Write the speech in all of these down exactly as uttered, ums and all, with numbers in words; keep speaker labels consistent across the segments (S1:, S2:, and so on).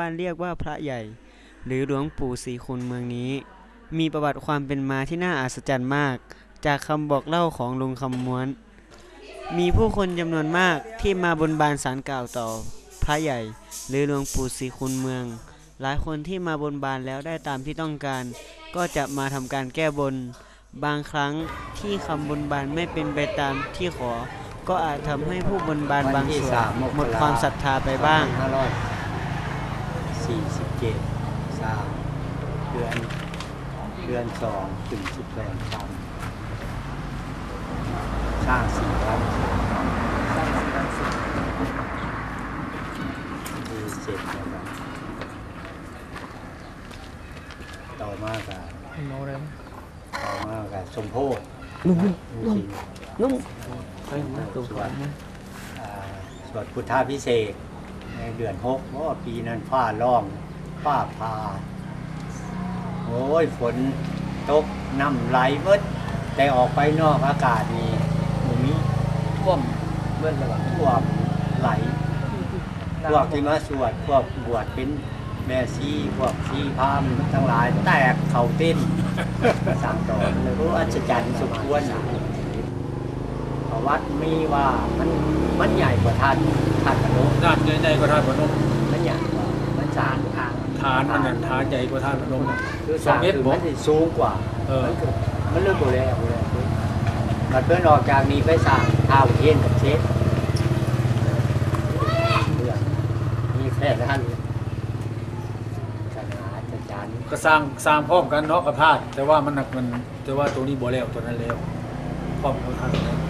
S1: บ้านเรียกว่าพระใหญ่หรือหลวงปู่ศรีคุณเมืองนี้มีประวัติความเป็นมาที่น่าอัศจรรย์มากจากคำบอกเล่าของลุงคำม้วนมีผู้คนจำนวนมากที่มาบนบานศาลกล่าวต่อพระใหญ่หรือหลวงปู่ศรีคุณเมืองหลายคนที่มาบนบานแล้วได้ตามที่ต้องการก็จะมาทำการแก้บนบางครั้งที่คำบนบานไม่เป็นไปตามที่ขอก็อาจทำให้ผู้บนบานบางส่วนหมดความศรัทธาไปบ้าง
S2: ห้าร้อยสี่สิบเจ็ดสามเดือนเดือนสองถึงสิบแปดคำสร้างสี่วันสร้างสี่วันสิบมีเสร็จแล้วครับต่อมากับต่อมากับสมโพธินุ่มนุ่มนุ่มสวดสวดพุทธาพิเศษในเดือนหกเพราะว่าปีนั้นฟ้าร้องฟ้าผ่าโอ้ยฝนตกน้ำไหลเบิดแต่ออกไปนอกอากาศนี่มันมีท่วมเมื่อระหว่างท่วมไหลพวกที่มาสวดพวกบวชเป็นแม่ชีพวกชีพามทั้งหลายแตกเข่าเต้นสั่งต่อเลยรู้อัศจรรย์สุดควรวัดมีว่ามันมันใหญ่กว่าท่านท่านพนม
S3: ด้านใหญ่กว่าท่านพนม
S2: มันใหญ่กว่ามันฐานฐาน
S3: ฐานมันฐานใหญ่กว่าท่านพนม
S2: คือสองเมตรมันสูงกว่า
S3: เออ
S2: มันเริ่มโบราณโบราณมันเพิ่นออกจากนี้ไปสร้างท้าวเทียนกับเชฟมีแค่ท่านอาจารย์
S3: ก็สร้างสร้างพร้อมกันเนาะกับธาตุแต่ว่ามันหนักมันแต่ว่าตัวนี้บ่แล้วตัวนั้นแล้วพร้อมกับธาตุ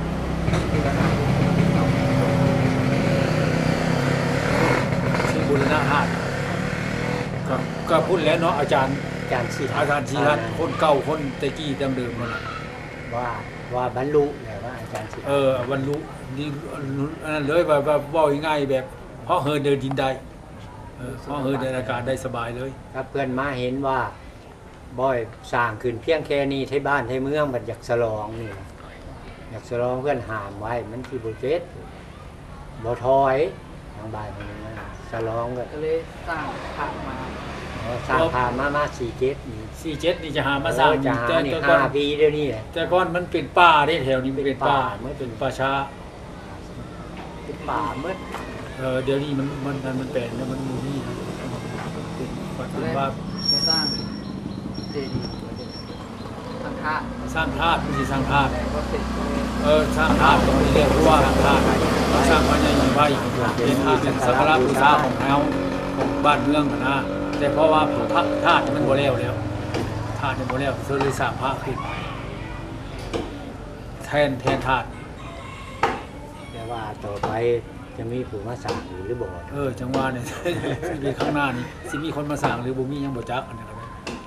S3: ที่บูรณะธาตุก็ก็พูดแล้วเนาะอาจารย์
S2: อาจารย์ชี
S3: อาจารย์ชีรัตน์คนเก่าคนตะกี้เดิมเดิมมัน
S2: ว่าว่าบรรลุแต่ว่าอาจารย์ชี
S3: เออบรรลุนี่อันนั้นเลยแบบว่าว่าง่ายแบบเพราะเฮินเดินดินได้เพราะเฮินเดินอากาศได้สบายเลย
S2: ถ้าเพื่อนมาเห็นว่าบ่อยสร้างขึ้นเพียงแค่นี้ที่บ้านที่เมืองมันอยากฉลองนี่อยากฉลองเพื่อนหามไว้มันที่บุเกตบ่ถอยทางบ้านมันนะฉลองก็
S4: เลยสร้างพระมา
S2: สร้างพามามาสี่เจ็ดนี่
S3: สี่เจ็ดนี่จะหามาสร้าง
S2: แต่ห้าปีเดี๋ยวนี้แหละ
S3: แต่ก่อนมันเป็นป่าที่แถวนี้มันเป็นป่าไม่เป็นป่าช้า
S2: เป็นป่าเมื่อ
S3: เออเดี๋ยวนี้มันมันมันแปลงแล้วมันมูนี่เป็นว่า
S4: สร้างเจดีย์สร้างธาตุ
S3: สร้างธาตุไม่ใช่สร้างธาตุเออสร้างธาตุตรงนี้เรียกว่าสร้างธาตุสร้างพระใหญ่ไหวเป็นธาตุเป็นสักการะบูชาของแถวของบ้านเมืองนะแต่เพราะว่าพระธาตุมันโบราณแล้วธาตุมันโบราณเธอเลยสร้างพระขึ้นแทนแทนธาตุ
S2: แต่ว่าต่อไปจะมีผู้มาสั่งหรือบ่
S3: เออจังหวะเนี่ยมีข้างหน้านี่สิมีคนมาสั่งหรือบ่มียังบ่จักอันนี้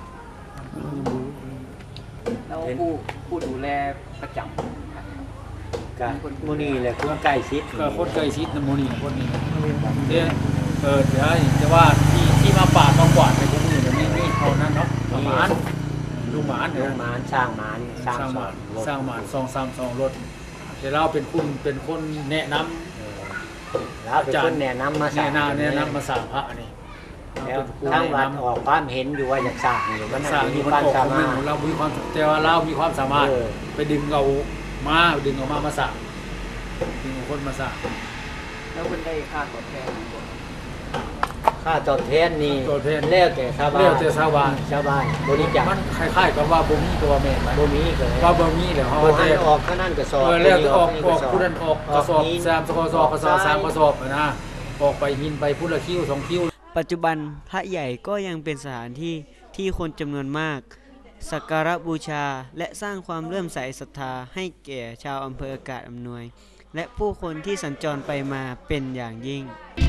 S4: แล้วผู้ผู้ดูแลประจำ
S2: ก็มื้อนี้แหละคนใกล้ชิด
S3: ก็คนใกล้ชิดนำมื้อนี้คนนี้เนี่ยเออเดี๋ยวจะว่าที่ที่มาปาดมากวาดในพวกนี้เดี๋ยวนี้นี่เท่านั้นเนาะประมาณลูกหมาน
S2: ลูกหมานสร้างหมาน
S3: สร้างหมานสร้างหมานสองสามสองรถแต่เราเป็นคุณเป็นคนแนะนำ
S2: แล้วเป็นคนแนะนำมา
S3: สร้างแนะนำมาสร้างพระนี่
S2: แล้วทั้งวัดออกความเห็นอยู่ว่าอยากสร้างอยู่มัน
S3: สร้างมีความสามารถเรามีความแต่ว่าเรามีความสามารถไปดึงเอามาดึงเอามามาสร้างดึงคนมาสร้าง
S4: แล้วคุณได้ค่าตอบแทน
S2: ค่าตอบแทนนี่เลี้ยวแต่ชาวบ้าน
S3: เลี้ยวแต่ชาวบ้าน
S2: ชาวบ้านบริจาค
S3: มันคล้ายๆกับว่าบ่มีตัวแม่
S2: บ่มีเลย
S3: ว่าบ่มีเดี๋ยวเขา
S2: ให้ออกข้างนั้นกระสอบ
S3: เออแล้วออกออกผู้นั้นออกกระสอบสามกระสอบกระสอบสามกระสอบนะออกไปหินไปพุทธคิ้วสองคิ้ว
S1: ปัจจุบันพระใหญ่ก็ยังเป็นสถานที่ที่คนจำนวนมากสักการะบูชาและสร้างความเลื่อมใสศรัทธาให้แก่ชาวอำเภออากาศอำนวยและผู้คนที่สัญจรไปมาเป็นอย่างยิ่ง